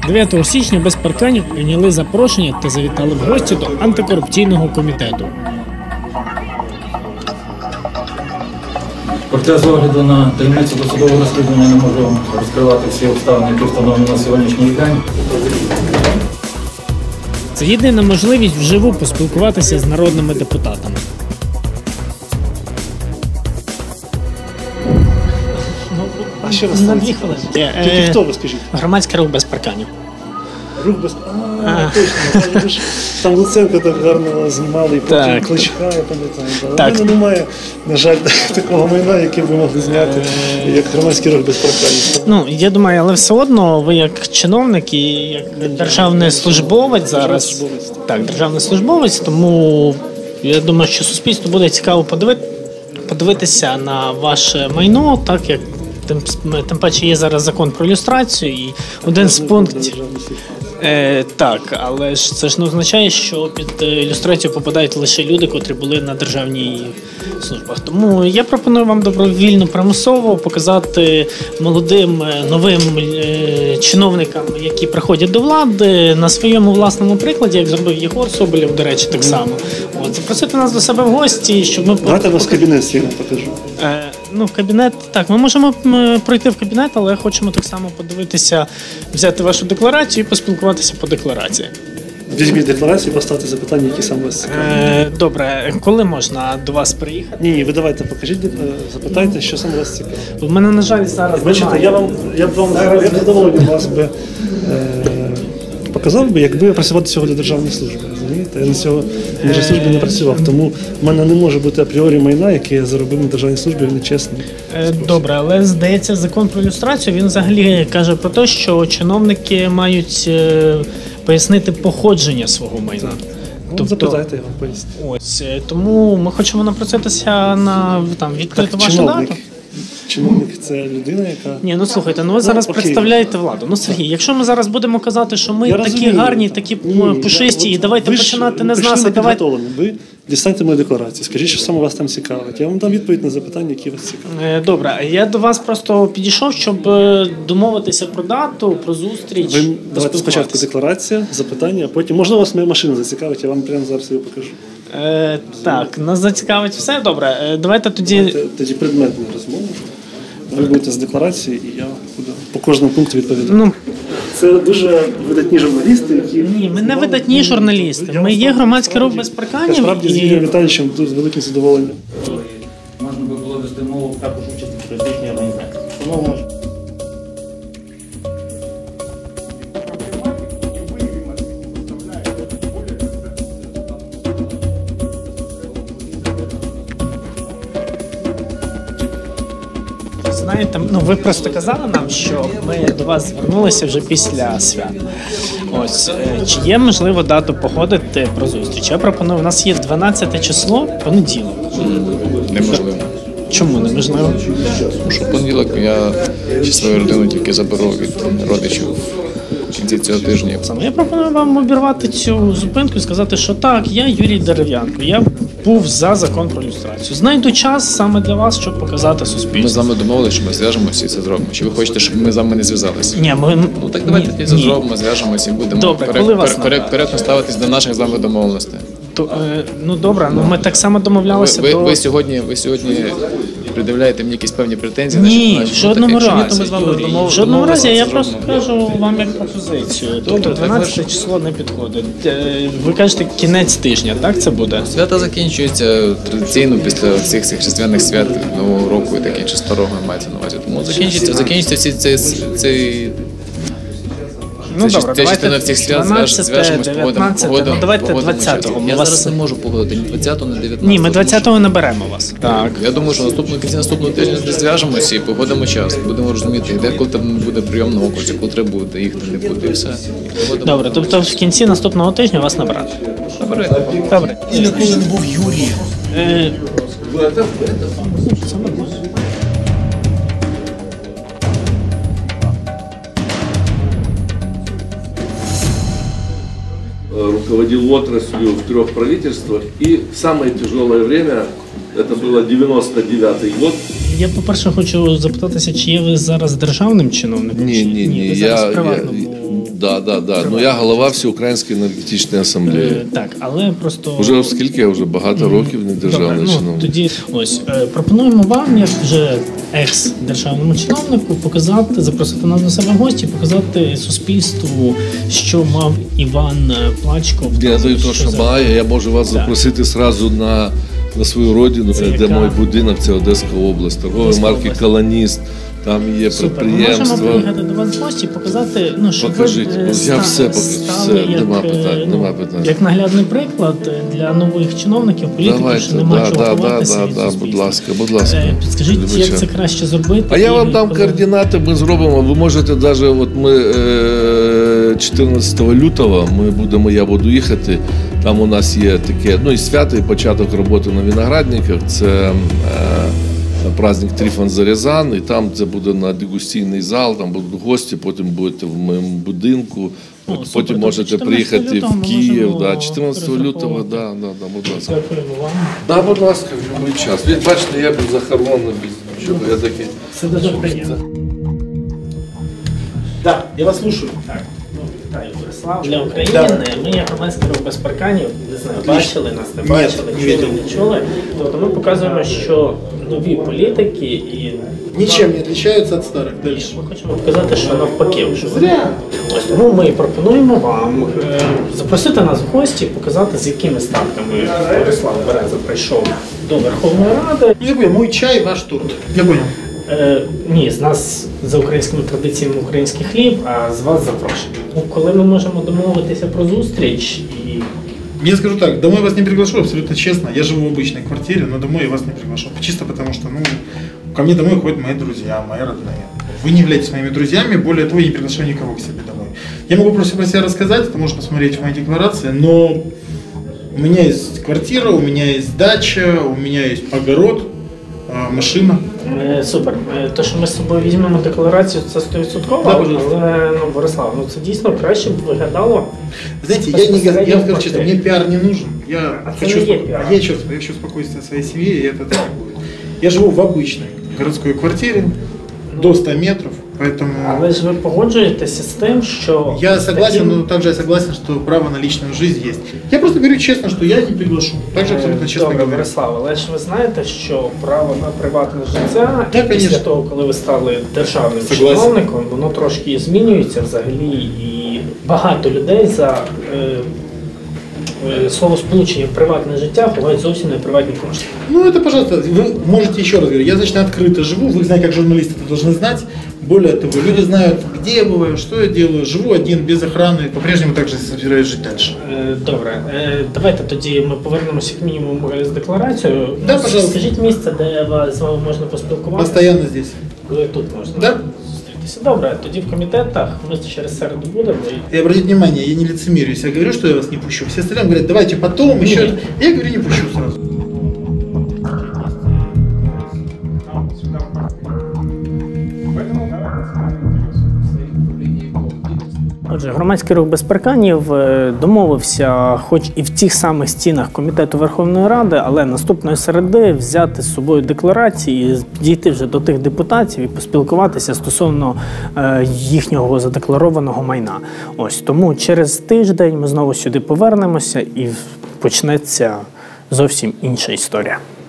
9 січня без парканів прийняли запрошення та завітали в гості до антикорупційного комітету. Проте, з огляду на таємницю досудового розслідування, не можу розкривати всі обставини, які встановлені на сьогоднішній день. Це єдина можливість вживу поспілкуватися з народними депутатами. А ще раз на 2 хвилини. Тільки хто, ви скажіть? Громадський рух без парканів. Рух без... Точно. Там Луценко так гарно знімали, і потім Кличка, я пам'ятаю. У мене немає, на жаль, такого майна, яке ви могли зняти, як громадський рух без парканів. Ну, я думаю, але все одно ви як чиновник і як державний службовець зараз. Так, державний службовець, тому я думаю, що суспільству буде цікаво подивитися на ваше майно, так як тим паче є зараз закон про люстрацію і один з пунктів. Так, але ж це ж не означає, що під люстрацію попадають лише люди, котрі були на державній службах. Тому я пропоную вам добровільно, примусово показати молодим, новим чиновникам, які приходять до влади, на своєму власному прикладі, як зробив Єгор Соболєв, до речі, так само. Запросити нас до себе в гості, щоб ми... Давайте вас кабінет стільно покажу. Ну, кабінет, так, ми можемо пройти в кабінет, але хочемо так само подивитися, взяти вашу декларацію і поспілкуватися по декларації. Візьміть декларацію і поставте запитання, які саме вас цікаві. Добре, коли можна до вас приїхати? Ні, ви давайте покажіть, запитайте, що саме вас цікавить. У мене, на жаль, зараз бачите, я б задоволений вас би показав би, якби я працював сьогодні державної служби. Розумієте? Я на цього службі не працював, тому в мене не може бути апріорі майна, яке я заробив на державній службі, нечесно. Добре, але здається, закон про люстрацію, він взагалі каже про те, що чиновники мають пояснити походження свого майна. Тобто, запитайте, я вам поясню. Ось, тому ми хочемо напроситися на відкрити вашу дату. Чиновник – це людина, яка... Ні, ну слухайте, ви зараз представляєте владу. Ну, Сергій, якщо ми зараз будемо казати, що ми такі гарні, такі пушисті, і давайте починати не з нас, а давайте... Ви дістаньте мою декларацію, скажіть, що саме вас там цікавить. Я вам дам відповідь на запитання, які вас цікавлять. Добре, я до вас просто підійшов, щоб домовитися про дату, про зустріч. Ви давайте спочатку декларація, запитання, а потім, можливо, вас моя машина зацікавить, я вам прямо зараз її покажу. Так, нас зацікавить все, добре. Давайте тоді... Тоді предметну розмову. Ви будете з декларації, і я буду по кожному пункту відповідати. Ну, це дуже видатні журналісти, які... Ні, ми не видатні журналісти. Ми є громадський рух без парканів. Справді, з Юрієм Віталійовичем тут з великим задоволенням. Можна би було вести мову також участі в політичній організації. Знаєте, ви просто казали нам, що ми до вас звернулися вже після свят. Ось, чи є можливо дату походити про зустріч? Я пропоную, у нас є 12 число, понеділок. Неможливо. Чому неможливо? Тому що в понеділок я свою родину тільки заберу від родичів в кінці цього тижня. Я пропоную вам обірвати цю зупинку і сказати, що так, я Юрій Дерев'янко, я був за закон про люстрацію. Знайду час саме для вас, щоб показати суспільству. Ми з вами домовилися, що ми зв'яжемося і це зробимо. Чи ви хочете, щоб ми з вами не зв'язалися? Ні, Ну так давайте це зробимо, зв'яжемося і будемо коректно ставитись до наших з вами домовленостей. Ну добре, ми так само домовлялися до... Ви сьогодні придивляєте мені якісь певні претензії? Ні, в жодному разі, Юрій, в жодному разі, я просто кажу вам як пропозицію. Тобто 12 число не підходить. Ви кажете, кінець тижня, так це буде? Свята закінчуються традиційно після всіх цих різдвяних свят, Нового року і таке інше, старого мається на увазі. Тому закінчиться всі ці... Ну добре, давайте всіх свят 12, 19, ну давайте 20-го. Я зараз не можу погодити ні 20-го, ні 19-го. Ні, ми 20-го наберемо вас. Так. Я думаю, що наступного тижня зв'яжемося і погодимо час. Будемо розуміти, де коли там буде прийом на окрузі, коли треба буде, їх не буде і все. Добре, тобто в кінці наступного тижня вас набрати. Добре. І ніколи не був Юрієм. Руководил отраслью в 3 правительствах, и в самое тяжелое время, это было 99-й год. Я, по-перше, хочу запитатися, чи є ви зараз державним чиновником? Ні. Ви зараз в приватному Да. Ну я голова Всеукраїнської енергетичної асамблеї. Так, але просто... Уже оскільки я вже багато років не державний чиновник. Тоді ось пропонуємо вам, як вже екс-державному чиновнику, показати, запросити нас до себе в гості, показати суспільству, що мав Іван Плачков. Я даю те, що має, я можу вас запросити одразу на свою родину, де мій будинок, це Одеська область, торгової марки «Колоніст». Там є підприємство. Ми можемо приїхати до вас в гості і показати, щоб покажіть, я все покажу, нема питань. Як наглядний приклад для нових чиновників, політиків, що нема чого ховатися від суспільства. Будь ласка. Підскажіть, як це краще зробити? А я вам дам координати, ми зробимо. Ви можете навіть, от ми 14 лютого я буду їхати, там у нас є таке, і свято, і початок роботи на виноградниках, це праздник Трифон Зарязан, і там це буде на дегустаційний зал, там будуть гості, потім будете в моєму будинку, потім можете приїхати в Київ, 14 лютого, будь ласка. Да, будь ласка, в будь-який час. Ви бачите, я без захоронений, без нічого, я такий. Це дуже приємно. Так, я вас слушаю. Вітаю, Борислав. Для України ми, як громадський рух без парканів, не знаю, бачили нас, не бачили, чули, не чули. Тобто ми показуємо, що нові політики і... Нічим не відрізняються від старих. Дальше. Ми хочемо показати, що навпаки. Зря. Ось тому ми пропонуємо вам запросити нас в гості, показати, з якими статками Борислав Береза прийшов до Верховної Ради. Я понял, мой чай, ваш торт. Я понял. Ні, з нас за українськими традиціями український хліб, а з вас запрошення. Коли ми можемо домовитися про зустріч і... Я скажу так, домой вас не приглашу, абсолютно честно. Я живу в обычной квартире, но домой я вас не приглашу. Чисто потому что, ко мне домой ходят мои друзья, мои родные. Вы не являетесь моими друзьями, более того, я не приглашаю никого к себе домой. Я могу просто про себя рассказать, это можно посмотреть в моей декларации, но у меня есть квартира, у меня есть дача, у меня есть огород, машина. Супер. Те, що ми з собою візьмемо декларацію, це 100%, але, Борислав, це дійсно краще б виглядало. Знаете, я вам скажу честно, мне пиар не нужен. Я хочу спокойствия своей семье, и это так и будет. Я живу в обычной городской квартире, до 100 метров, поэтому... Але ж ви погоджуєтеся з тим, що... Я согласен, но также я согласен, что право на личную жизнь есть. Я просто говорю честно, что я не приглашу. Также абсолютно честно говорю. Добре, Борислав, але ж ви знаєте, що право на приватне життя, після того, коли ви стали державним чиновником, воно трошки змінюється взагалі, і багато людей за слово сполучення приватне життя ховають зовсім не приватні кошти. Это, пожалуйста, вы можете еще раз говорить. Я достаточно открыто живу, вы знаете, как журналисты это должны знать. Более того, люди знают, где я бываю, что я делаю. Живу один, без охраны, по-прежнему также собираюсь жить дальше. Добре, давайте тоді ми повернемося як мінімум з декларацією. Да, пожалуйста. Скажіть місце, де з вами можна поспілкуватися. Постоянно здесь. Тут можна? Да. Добре, тоді в комітетах ми через середу будемо. И обратите внимание, я не лицемерю, если я говорю, что я вас не пущу. Все остальные говорят, давайте потом, еще. Я говорю, не пущу сразу. Отже, громадський рух без парканів домовився, хоч і в тих самих стінах Комітету Верховної Ради, але наступної середи взяти з собою декларації, підійти вже до тих депутатів і поспілкуватися стосовно їхнього задекларованого майна. Ось тому через тиждень ми знову сюди повернемося і почнеться зовсім інша історія.